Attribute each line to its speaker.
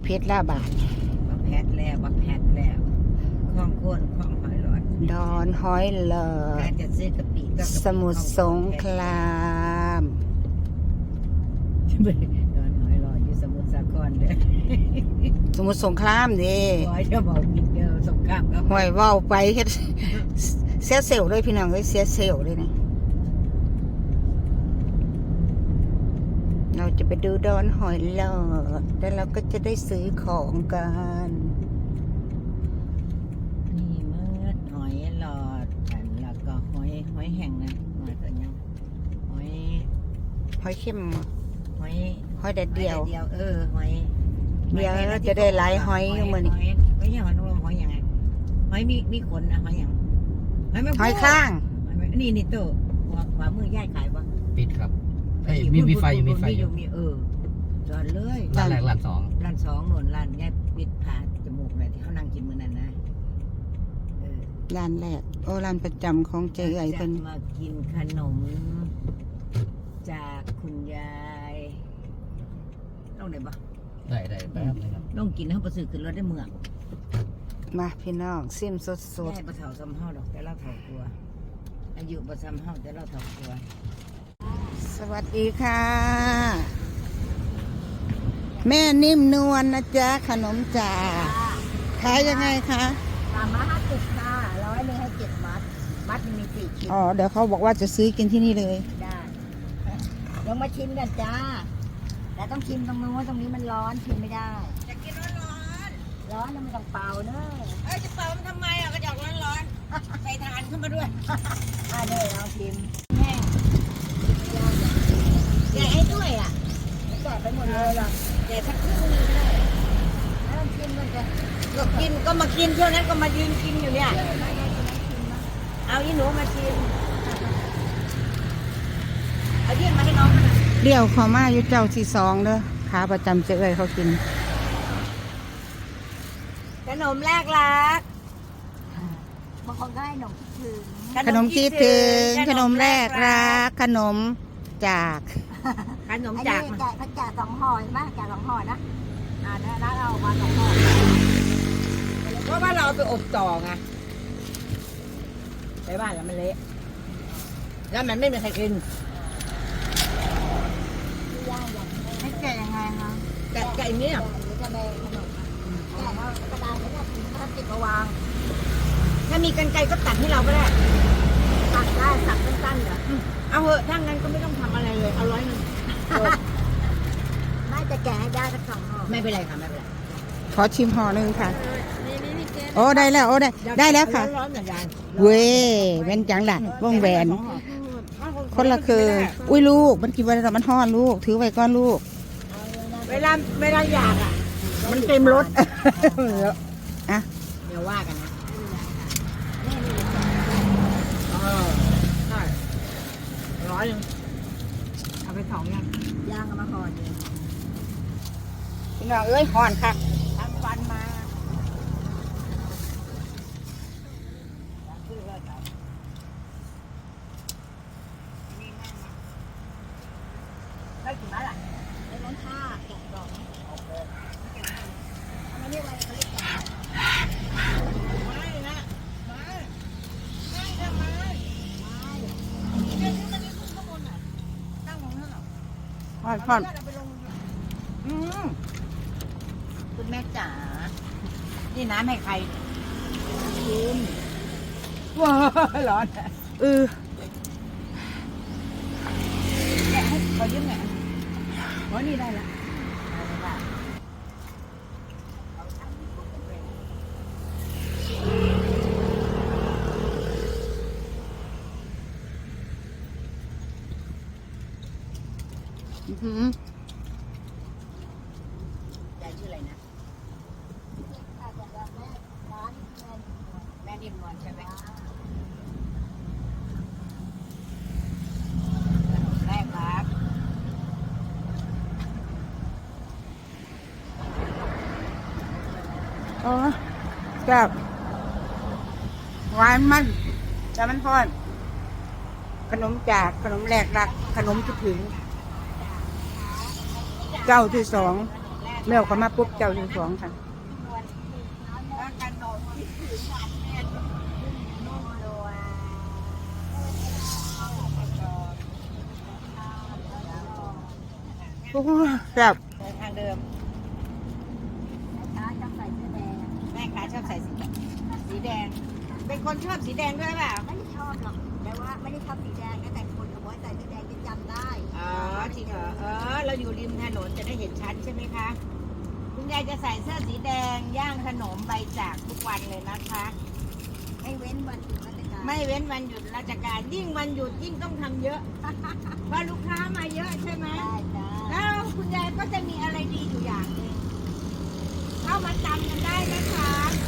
Speaker 1: เพชรละบาท
Speaker 2: บักแพทแล้วบักแพทแล้วคล้องโคนคล้องหอยหลอด
Speaker 1: ดอนหอยหลอ
Speaker 2: การ
Speaker 1: ด
Speaker 2: จะซื้อกะปิก็
Speaker 1: สมุทรสงคราม
Speaker 2: ดอนหอยหลอดอยู่สมุทรสาครเด้อ
Speaker 1: สมุทรสงครามดิ
Speaker 2: หอยจะบอกกินเด้อสงครามก็
Speaker 1: หอยว่าวไปเฮ็ดเสียเซลเลยพี่น้องเอ้ยเสียเซลเลยนะเราจะไปดูดอนหอยหลอดแล้วเราก็จะได้ซื้อของกัน
Speaker 2: นี่มืดหอยหลอดอันแล้วก็หอยแห้งนะหอยตัวยังหอย
Speaker 1: หอยเข้ม
Speaker 2: หอย
Speaker 1: หอยแดดเดียว
Speaker 2: หอย
Speaker 1: เดี๋ยวจะได้หลายหอยอยู่มื้อนี้
Speaker 2: ไม่ใช่หอยนางรมหอยยังไงหอยมีขนนะหอยยัง
Speaker 1: หอยข้าง
Speaker 2: นี่โตขวามือย่ายขายปะ
Speaker 3: ปิดครับมีไฟอยู่มีไฟอยู่
Speaker 2: มีจอดเลย
Speaker 3: ร้านแรกร้านสอง
Speaker 2: ร้านสองหนุนร้านย่ายปิดผ่าจมูกเลยที่เขานั่งกินมื้อนั้นนะ
Speaker 1: ร้านแรกโอ้ร้านประจำของเจ๊ไอ้เพิ่น
Speaker 2: จะมากินขนมจากคุณยายลงไหนปะ
Speaker 3: ได้แป๊บนึงครับ
Speaker 2: ลงกินเขาประสือขึ้นรถได้เมือง
Speaker 1: มาพี่น้องซิมสด
Speaker 2: ได้ประเถาซ้ำเฮาดอกแต่เราเถากลัวอายุประซ้ำเฮาแต่เราเถากลัว
Speaker 1: ๆสวัสดีค่ะ แม่นิ่มนวลนะจ๊ะขนมจ่าขายยังไงคะ
Speaker 2: 350ค่ะ100นึงให้7มัดมี4ชิ้น
Speaker 1: อ๋อเดี๋ยวเขาบอกว่าจะซื้อกินที่นี่เลย
Speaker 2: ได้ลองมาชิมกันจ้าแต่ต้องชิมตรงนู้นตรงนี้มันร้อนชิมไม่ได้จะกินร้อนแล้วมันต้องเป่าเนอะจะเป่ามันทำไมอ่ะกระจกร้อนใส่ถ่านขึ้นมาด้วยเดี๋ยวเราชิมแห้งแกะให้ด้วยอ่ะแกะไปหมดเลยหรอแกะสักครึ่งนึงก็ได้แล้วชิมมันจะกินก็มากินเที่ยวนั้นก็มายืนกินอยู่เนี่ยเอาอีหนูมาชิมเอายื่นมาให้น้องมา
Speaker 1: เดี่ยวเขามาอยู่เจ้าที่สองเด้อขาประจำเจ๊เอ้ยเขากิน
Speaker 2: ขนมแรกรักบางคนก็ให้ขนมคิดถึง
Speaker 1: ขนมคิดถึงขนมแรกรักขนมจาก
Speaker 2: ขนมจากเขาแจก2ห่อใช่ไหมแจก2ห่อนะแล้วเรามา2ห่อเพราะว่าเราไปอบต่อไงไปบ้านแล้วมันเละแล้วมันไม่มีใครกินให้แกะยังไงคะแกะอย่างนี้จะไปขนมแกะแล้วกระดาษไม่ได้พลาสติกมาวางถ้ามีกรรไกรก็ตัดให้เราก็ได้ตัดได้ตัดสั้นๆเหรอเอาเหอะถ้างั้นก็ไม่ต้องทำอะไรเลยเอา100นึงน่าจะแกะให้ได้สัก2ห่อไม่เป็นไรค่ะไม่เป็นไร
Speaker 1: ขอชิมห่อหนึ่งค่ะโอ้ได้แล้วโอ้ได้แล้วค่ะ
Speaker 2: ร้อนๆเหมือนกัน
Speaker 1: เว้ยเป็นจังล่ะวงแหวน คนละคืออุ้ยลูกมันกินไว้แต่มันห่อนลูกถือไว้ก้อนลูก
Speaker 2: เวลาอยากอ่ะมันเต็มรถ
Speaker 1: อ่ะ
Speaker 2: เดี๋ยวว่ากันนะใช่100นึงเอาไป2ย่างเอามาห่อเดียว
Speaker 1: พี่น้องเอ้ยห่อนค่ะ
Speaker 2: ทำฟันมาได้กี่มัดอ่ะได้ร้อนท่าแกะกล่องอันนี้อะไรเขาเรียกแกะไม่นะไม่ทำไมเดี๋ยวนี้มันนี่ขึ้นข้างบนอ่ะตั้งของเท่าไหร่
Speaker 1: ห่อน
Speaker 2: คุณแม่จ๋า นี่น้ำให้ใครกินว้าร้อน แกะให้ขอยืมหน่อยอ๋อนี่ได้ละได้
Speaker 1: อื้อหือย
Speaker 2: ายชื่ออะไรนะแม่นิ่มนวลใช่ไหมแรกรัก
Speaker 1: โอ้แซ่บหวานมันแต่มันห่อน ขนมจากขนมแรกรักขนมคิดถึงเจ้าที่สอง
Speaker 2: แรก
Speaker 1: แมวเขามาปุ๊บเจ้าอยู่สองค่ะ
Speaker 2: แล้วกันโดดที่ถือหวานแม่นุ่มเลย
Speaker 1: โอ้แซ่บ
Speaker 2: ทางเดิมแม่ค้าชอบใส่เสื้อแดงแม่ค้าชอบใส่สีแดง เป็นคนชอบสีแดงด้วยเปล่า
Speaker 4: ไม่ได้ชอบหรอกแต่ว่าไม่ได้ชอบสีแดงนะแต่คนเอาไว้ใส่สีแดงจะจำได้
Speaker 2: อ๋อจริงเหรอเราอยู่ริมถนนจะได้เห็นชัดใช่ไหมคะ คุณยายจะใส่เสื้อสีแดงย่างขนมใบจากทุกวันเลยนะคะ
Speaker 4: ไม่เว้นวันหยุดราชการ
Speaker 2: ไม่เว้นวันหยุดราชการยิ่งวันหยุดยิ่งต้องทำเยอะ เพราะลูกค้ามาเยอะใช่ไหม
Speaker 4: ได้จ้า
Speaker 2: แล้วคุณยายก็จะมีอะไรดีอยู่อย่างหนึ่งเข้ามาจำกันได้นะคะ